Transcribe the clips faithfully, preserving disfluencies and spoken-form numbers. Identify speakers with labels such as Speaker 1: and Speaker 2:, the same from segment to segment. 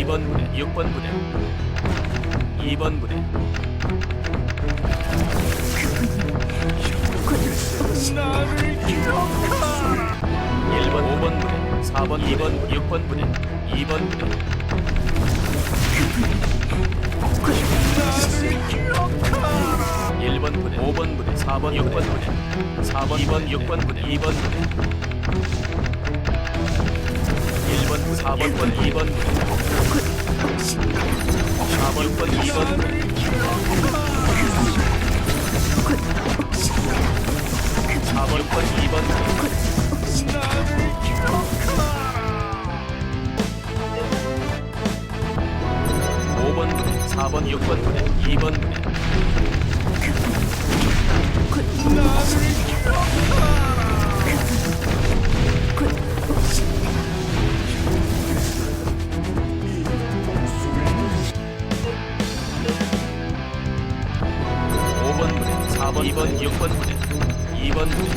Speaker 1: 이 번 부대, 육 번 부대, 이 번 부대,
Speaker 2: 나를 기억하라.
Speaker 1: 일 번, 오 번 부대, 사 번, 이 번, 육 번 부대, 이 번 부대,
Speaker 2: 나를 기억하라.
Speaker 1: 일 번 부대, 오 번 부대, 사 번, 육 번 부대, 사 번, 이 번, 육 번 부대, 이 번 부대, 일 번, 사 번, 이 번 부대, 사 번, 육 번, 이 번 부대, 사 번, 육 번, 이 번 부대,
Speaker 2: 나를 기억하라.
Speaker 1: 오 번 부대, 사 번, 육 번 부대, 이 번 부대,
Speaker 2: 나를 기억하라.
Speaker 1: 오 번 부대, 사 번, 이 번, 육 번 부대, 이 번 부대,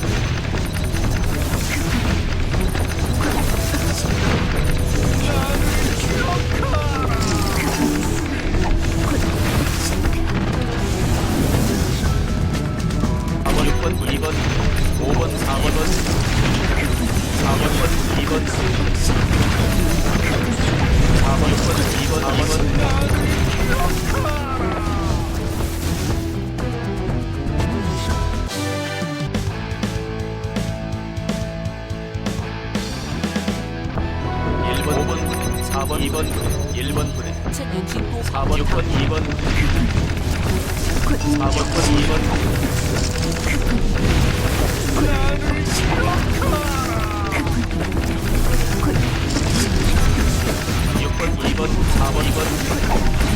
Speaker 1: 사 번, 육 번, 이 번, 오 번, 사 번, 사 번, 이 번, 사 번, 육 번, 이 번, 이 번, 일 번, 오 번 부대, 사 번, 이 번 부대, 일 번 부대, 사 번, 육 번, 이 번 부대, 사 번, 이 번 부대, 육 번, 이 번, 사 번, 이 번,